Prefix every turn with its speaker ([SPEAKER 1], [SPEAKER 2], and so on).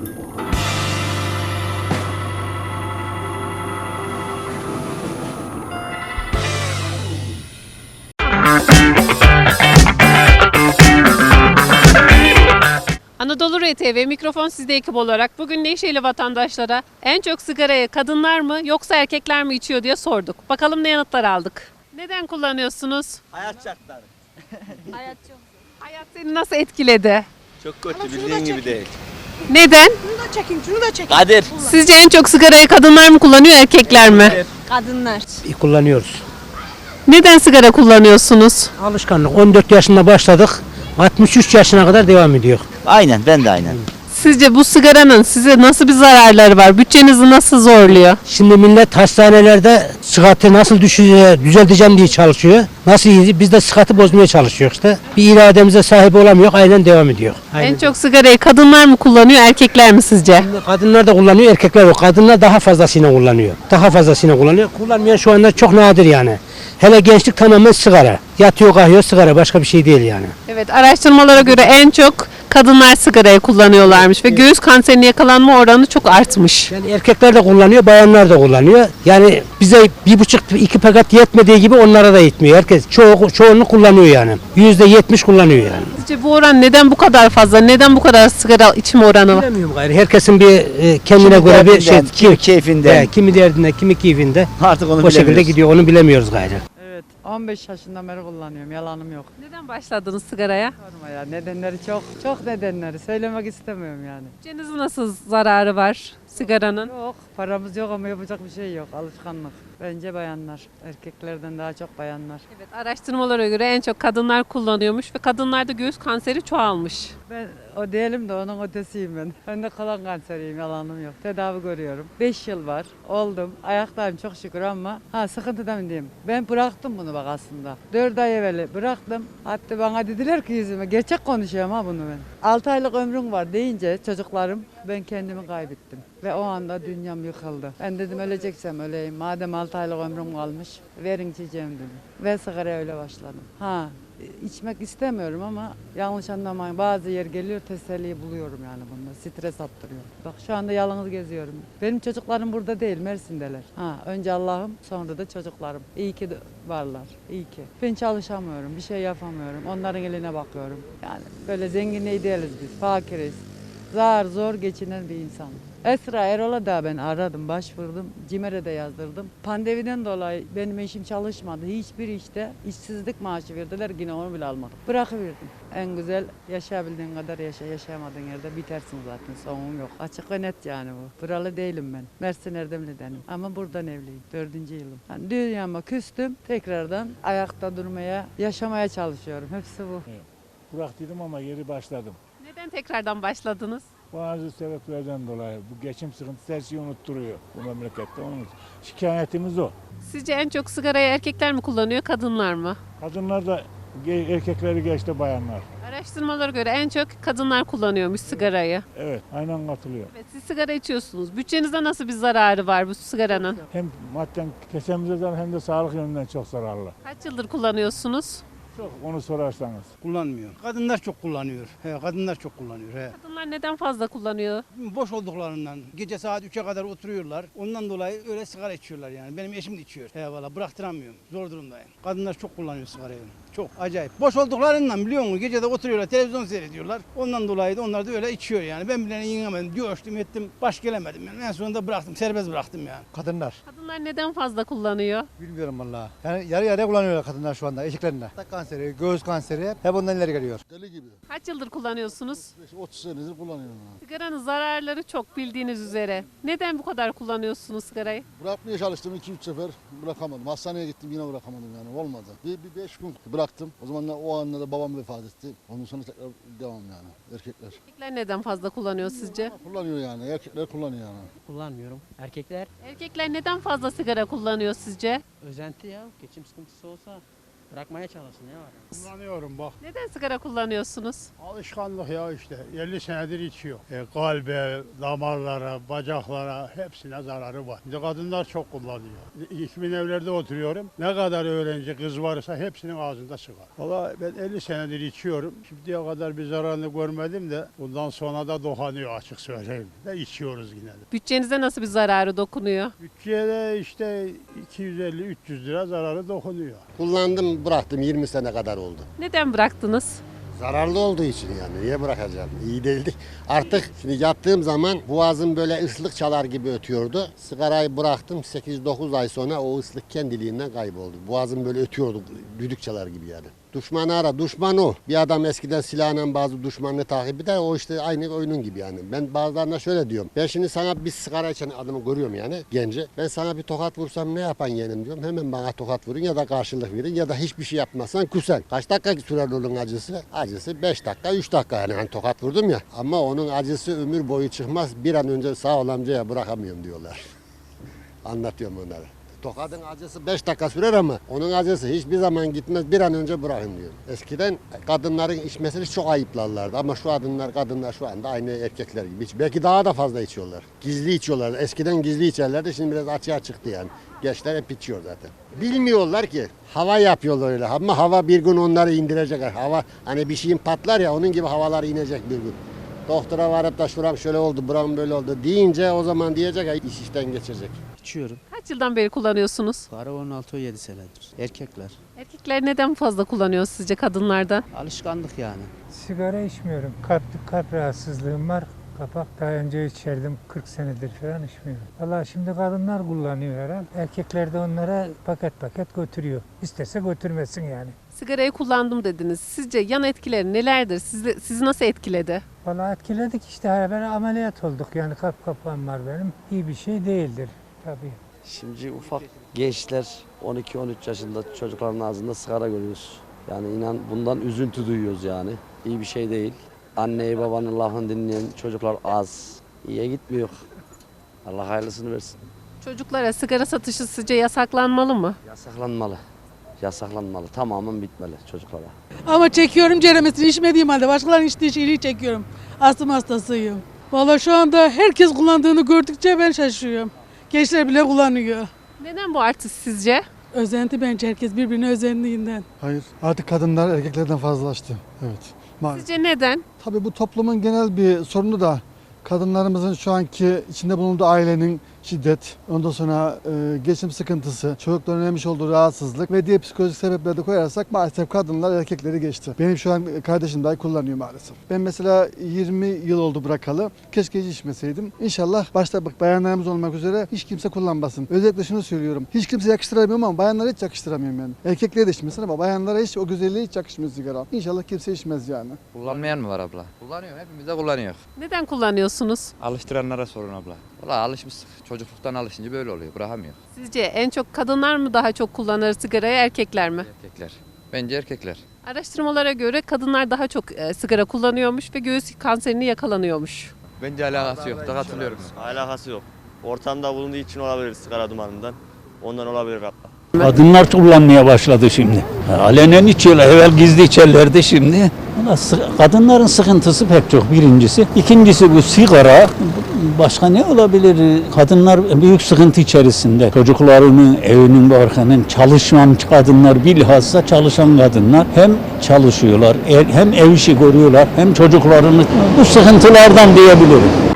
[SPEAKER 1] Anadolu RTV mikrofon sizde ekip olarak bugün Nevşehirli vatandaşlara en çok sigarayı kadınlar mı yoksa erkekler mi içiyor diye sorduk. Bakalım ne yanıtlar aldık. Neden kullanıyorsunuz?
[SPEAKER 2] Hayat şartları.
[SPEAKER 3] Hayat çok.
[SPEAKER 1] Hayat seni nasıl etkiledi?
[SPEAKER 2] Çok kötü, bildiğin gibi değil.
[SPEAKER 1] Neden?
[SPEAKER 3] Şunu da çekin, şunu da çekin.
[SPEAKER 2] Kadir.
[SPEAKER 1] Sizce en çok sigarayı kadınlar mı kullanıyor erkekler mi?
[SPEAKER 3] Kadınlar.
[SPEAKER 4] Kullanıyoruz.
[SPEAKER 1] Neden sigara kullanıyorsunuz?
[SPEAKER 4] Alışkanlık. 14 yaşında başladık. 63 yaşına kadar devam ediyor.
[SPEAKER 2] Aynen, ben de aynen.
[SPEAKER 1] Sizce bu sigaranın size nasıl bir zararları var? Bütçenizi nasıl zorluyor?
[SPEAKER 4] Şimdi millet hastanelerde sıhhati nasıl düzelteceğim diye çalışıyor. Nasıl iyi? Biz de sıhhati bozmaya çalışıyoruz işte. Bir irademize sahip olamıyor. Aynen devam ediyor. Aynen.
[SPEAKER 1] En çok sigarayı kadınlar mı kullanıyor erkekler mi sizce?
[SPEAKER 4] Kadınlar da kullanıyor, erkekler yok. Kadınlar daha fazlasıyla kullanıyor. Daha fazlasıyla kullanıyor. Kullanmayan şu anda çok nadir yani. Hele gençlik tamamen sigara. Yatıyor kalkıyor sigara, başka bir şey değil yani.
[SPEAKER 1] Evet, araştırmalara göre en çok kadınlar sigarayı kullanıyorlarmış ve göğüs kanserine yakalanma oranı çok artmış.
[SPEAKER 4] Yani erkekler de kullanıyor, bayanlar da kullanıyor. Yani bize 1,5-2 paket yetmediği gibi onlara da yetmiyor. Herkes çoğunluk kullanıyor yani. %70 kullanıyor yani.
[SPEAKER 1] Sizce bu oran neden bu kadar fazla? Neden bu kadar sigara içme oranı var?
[SPEAKER 4] Bilemiyorum gayrı. Herkesin bir kendine
[SPEAKER 2] Kimi
[SPEAKER 4] göre bir şey,
[SPEAKER 2] derdinden, kimi keyfinden.
[SPEAKER 4] kimi derdinde, kimi keyfinde.
[SPEAKER 2] Artık onu
[SPEAKER 4] O şekilde
[SPEAKER 2] bilemiyoruz.
[SPEAKER 4] gidiyor. Onu bilemiyoruz gayrı.
[SPEAKER 5] Evet, 15 yaşından beri kullanıyorum, yalanım yok.
[SPEAKER 1] Neden başladınız sigaraya?
[SPEAKER 5] Sorma ya, nedenleri çok nedenleri, söylemek istemiyorum yani.
[SPEAKER 1] Bütçenizin nasıl zararı var sigaranın?
[SPEAKER 5] Yok, paramız yok ama yapacak bir şey yok, alışkanlık. Bence bayanlar, erkeklerden daha çok bayanlar.
[SPEAKER 1] Evet, araştırmalara göre en çok kadınlar kullanıyormuş ve kadınlarda göğüs kanseri çoğalmış.
[SPEAKER 5] Ben o değilim de onun ötesiyim ben. Ben de kolon kanseriyim, yalanım yok. Tedavi görüyorum. 5 yıl var, oldum. Ayaktayım çok şükür ama sıkıntıda mı diyeyim. Ben bıraktım bunu bak aslında. 4 ay evvel bıraktım. Hatta bana dediler ki yüzüme, gerçek konuşuyorum ha bunu ben. 6 aylık ömrüm var deyince çocuklarım ben kendimi kaybettim. Ve o anda dünyam yıkıldı. Ben dedim öleceksem öleyim. Madem 6 aylık ömrüm kalmış verin içeceğim dedim. Ve sigaraya öyle başladım. İçmek istemiyorum ama yanlış anlamayın. Bazı yer geliyor teselliyi buluyorum yani bunda. Stres attırıyor. Bak şu anda yalnız geziyorum. Benim çocuklarım burada değil, Mersin'deler. Önce Allah'ım, sonra da çocuklarım. İyi ki de varlar. İyi ki. Ben çalışamıyorum, bir şey yapamıyorum. Onların eline bakıyorum. Yani böyle zenginliği değiliz biz, fakiriz. Zor geçinen bir insan. Esra Erol'a da ben aradım, başvurdum. CİMER'e de yazdırdım. Pandemiden dolayı benim eşim çalışmadı. Hiçbir işte işsizlik maaşı verdiler. Yine onu bile almadım. Bırakıverdim. En güzel yaşayabildiğin kadar yaşa. Yaşayamadığın yerde bitersin zaten. Sonun yok. Açık ve net yani bu. Buralı değilim ben. Mersin Erdemli'denim. Ama buradan evliyim. 4. yılım. Yani dünyama küstüm. Tekrardan ayakta durmaya, yaşamaya çalışıyorum. Hepsi bu.
[SPEAKER 6] Bıraktıydım ama geri başladım.
[SPEAKER 1] Neden tekrardan başladınız?
[SPEAKER 6] Bazı sebeplerden dolayı bu geçim sıkıntısı her şeyi unutturuyor bu memlekette. Onun şikayetimiz o.
[SPEAKER 1] Sizce en çok sigarayı erkekler mi kullanıyor, kadınlar mı?
[SPEAKER 6] Kadınlar da erkekleri geçti bayanlar.
[SPEAKER 1] Araştırmalara göre en çok kadınlar kullanıyormuş sigarayı.
[SPEAKER 6] Evet, aynen katılıyor.
[SPEAKER 1] Evet, siz sigara içiyorsunuz. Bütçenizde nasıl bir zararı var bu sigaranın?
[SPEAKER 6] Hem madden kesemize zarar hem de sağlık yönünden çok zararlı.
[SPEAKER 1] Kaç yıldır kullanıyorsunuz?
[SPEAKER 6] Çok onu sorarsanız.
[SPEAKER 7] Kullanmıyor. Kadınlar çok kullanıyor. Kadınlar çok kullanıyor.
[SPEAKER 1] Kadınlar neden fazla kullanıyor?
[SPEAKER 7] Boş olduklarından gece saat 3'e kadar oturuyorlar. Ondan dolayı öyle sigara içiyorlar yani. Benim eşim de içiyor. Valla bıraktıramıyorum. Zor durumdayım. Kadınlar çok kullanıyor sigarayı. Çok acayip. Boş olduklarından biliyor musun? Gece de oturuyorlar, televizyon seyrediyorlar. Ondan dolayı da onlar da öyle içiyor yani. Ben bile yiyemedim, coştum ettim, baş gelemedim yani. En sonunda bıraktım, serbest bıraktım yani.
[SPEAKER 8] Kadınlar.
[SPEAKER 1] Kadınlar neden fazla kullanıyor?
[SPEAKER 8] Bilmiyorum vallahi. Yani yarı yarıya kullanıyorlar kadınlar şu anda erkeklerine. Tak kanseri, göğüs kanseri hep ondan ileri geliyor.
[SPEAKER 9] Deli gibi.
[SPEAKER 1] Kaç yıldır kullanıyorsunuz?
[SPEAKER 9] 30 senedir kullanıyorum.
[SPEAKER 1] Sigaranın zararları çok bildiğiniz üzere. Neden bu kadar kullanıyorsunuz sigarayı?
[SPEAKER 9] Bırakmaya çalıştım 2-3 sefer bırakamadım. Hastaneye gittim yine bırakamadım yani olmadı. Bir 5 gün bıraktım. O zaman da o anda da babam vefat etti. Ondan sonra tekrar devam yani erkekler.
[SPEAKER 1] Erkekler neden fazla kullanıyor sizce?
[SPEAKER 9] Kullanıyor yani erkekler kullanıyor yani.
[SPEAKER 4] Kullanmıyorum. Erkekler
[SPEAKER 1] Erkekler neden fazla sigara kullanıyor sizce?
[SPEAKER 4] özenti ya. Geçim sıkıntısı olsa
[SPEAKER 10] Bırakmaya çalışın ya.
[SPEAKER 6] Kullanıyorum bak.
[SPEAKER 1] Neden sigara kullanıyorsunuz?
[SPEAKER 6] Alışkanlık ya işte. 50 senedir içiyor. Kalbe, damarlara, bacaklara hepsine zararı var. Şimdi kadınlar çok kullanıyor. 2000 evlerde oturuyorum. Ne kadar öğrenci kız varsa hepsinin ağzında sigara. Valla ben 50 senedir içiyorum. Şimdiye kadar bir zararını görmedim de bundan sonra da dokunuyor açık söyleyeyim. De içiyoruz yine de.
[SPEAKER 1] Bütçenize nasıl bir zararı dokunuyor?
[SPEAKER 6] Bütçede işte 250-300 lira zararı dokunuyor.
[SPEAKER 9] Kullandım bıraktım 20 sene kadar oldu.
[SPEAKER 1] Neden bıraktınız?
[SPEAKER 9] Zararlı olduğu için yani niye bırakacağım? İyi değildi. Artık şimdi yattığım zaman boğazım böyle ıslık çalar gibi ötüyordu. Sigarayı bıraktım 8-9 ay sonra o ıslık kendiliğinden kayboldu. Boğazım böyle ötüyordu düdük çalar gibi yani. Düşmanı ara, düşman o. Bir adam eskiden silahla bazı düşmanını takip eder, o işte aynı oyunun gibi yani. Ben bazılarına şöyle diyorum, ben şimdi sana bir sigara içen adamı görüyorum yani, genci. Ben sana bir tokat vursam ne yapan yeğenim diyorum, hemen bana tokat vurun ya da karşılık verin ya da hiçbir şey yapmazsan küsen. Kaç dakika sürer onun acısı? Acısı 5 dakika, 3 dakika yani hani tokat vurdum ya. Ama onun acısı ömür boyu çıkmaz, bir an önce sağ ol amcaya bırakamıyorum diyorlar. Anlatıyorum onlara. Tokadın acısı 5 dakika sürer ama onun acısı hiçbir zaman gitmez, bir an önce bırakın diyor. Eskiden kadınların içmesini çok ayıplarlardı ama şu kadınlar şu anda aynı erkekler gibi. Belki daha da fazla içiyorlar. Gizli içiyorlar. Eskiden gizli içerlerdi, şimdi biraz açığa çıktı yani. Gençler hep içiyor zaten. Bilmiyorlar ki hava yapıyorlar öyle ama hava bir gün onları indirecek. Hava hani bir şeyin patlar ya, onun gibi havalar inecek bir gün. Doktora varıp da şuram şöyle oldu, buram böyle oldu deyince o zaman diyecek ya iş işten geçecek.
[SPEAKER 10] İçiyorum.
[SPEAKER 1] Kaç yıldan beri kullanıyorsunuz?
[SPEAKER 10] Sigara 16-17 senedir. Erkekler.
[SPEAKER 1] Erkekler neden fazla kullanıyor sizce kadınlardan?
[SPEAKER 10] Alışkanlık yani.
[SPEAKER 11] Sigara içmiyorum. Kalp rahatsızlığım var. Kapak daha önce içerdim. 40 senedir falan içmiyorum. Valla şimdi kadınlar kullanıyor herhalde. Erkekler de onlara paket paket götürüyor. İstese götürmesin yani.
[SPEAKER 1] Sigarayı kullandım dediniz. Sizce yan etkileri nelerdir? Sizi nasıl etkiledi?
[SPEAKER 11] Valla etkiledik işte. Ben ameliyat olduk. Yani kalp kapağım var benim. İyi bir şey değildir tabii.
[SPEAKER 12] Şimdi ufak gençler 12-13 yaşında çocukların ağzında sigara görüyoruz. Yani inan bundan üzüntü duyuyoruz yani. İyi bir şey değil. Anneyi babanın lafını dinleyen çocuklar az. İyiye gitmiyor. Allah hayırlısını versin.
[SPEAKER 1] Çocuklara sigara satışı sizce yasaklanmalı mı?
[SPEAKER 12] Yasaklanmalı. Yasaklanmalı. Tamamen bitmeli çocuklara.
[SPEAKER 3] Ama çekiyorum ceremesini içmediğim halde. Başkalarının içtiği şeyi çekiyorum. Astım hastasıyım. Vallahi şu anda herkes kullandığını gördükçe ben şaşırıyorum. Gençler bile kullanıyor.
[SPEAKER 1] Neden bu artış sizce?
[SPEAKER 3] Özenti bence, herkes birbirine özendiğinden.
[SPEAKER 8] Hayır. Artık kadınlar erkeklerden fazlalaştı. Evet. Maalesef.
[SPEAKER 1] Sizce neden?
[SPEAKER 8] Tabii bu toplumun genel bir sorunu da kadınlarımızın şu anki içinde bulunduğu ailenin şiddet, ondan sonra geçim sıkıntısı, çocukların öğrenmiş olduğu rahatsızlık ve diğer psikolojik sebepleri de koyarsak maalesef kadınlar erkekleri geçti. Benim şu an kardeşim dahi kullanıyor maalesef. Ben mesela 20 yıl oldu bırakalı. Keşke hiç içmeseydim. İnşallah başta bak bayanlarımız olmak üzere hiç kimse kullanmasın. Özellikle şunu söylüyorum. Hiç kimse yakıştıramıyorum ama bayanlara hiç yakıştıramıyorum yani. Erkeklere de içmesin ama bayanlara hiç o güzelliği hiç yakışmıyor sigara. İnşallah kimse içmez yani.
[SPEAKER 13] Kullanmayan mı var abla? Kullanıyor. Hepimiz de kullanıyor.
[SPEAKER 1] Neden kullanıyorsunuz?
[SPEAKER 13] Alıştıranlara sorun abla. Valla alışmıştık. Çocukluktan alışınca böyle oluyor. Bırakamıyor.
[SPEAKER 1] Sizce en çok kadınlar mı daha çok kullanır sigarayı, erkekler mi?
[SPEAKER 13] Erkekler. Bence erkekler.
[SPEAKER 1] Araştırmalara göre kadınlar daha çok sigara kullanıyormuş ve göğüs kanserini yakalanıyormuş.
[SPEAKER 13] Bence alakası yok. Da katılıyorum.
[SPEAKER 2] Alakası yok. Ortamda bulunduğu için olabilir sigara dumanından. Ondan olabilir hatta.
[SPEAKER 14] Kadınlar kullanmaya başladı şimdi. Alenen içiyorlar. Evvel gizli içerlerdi şimdi. Kadınların sıkıntısı pek çok birincisi. İkincisi bu sigara. Başka ne olabilir? Kadınlar büyük sıkıntı içerisinde. Çocuklarının, evinin barkının, çalışan kadınlar, bilhassa çalışan kadınlar hem çalışıyorlar, hem ev işi görüyorlar, hem çocuklarını bu sıkıntılardan diyebilirim.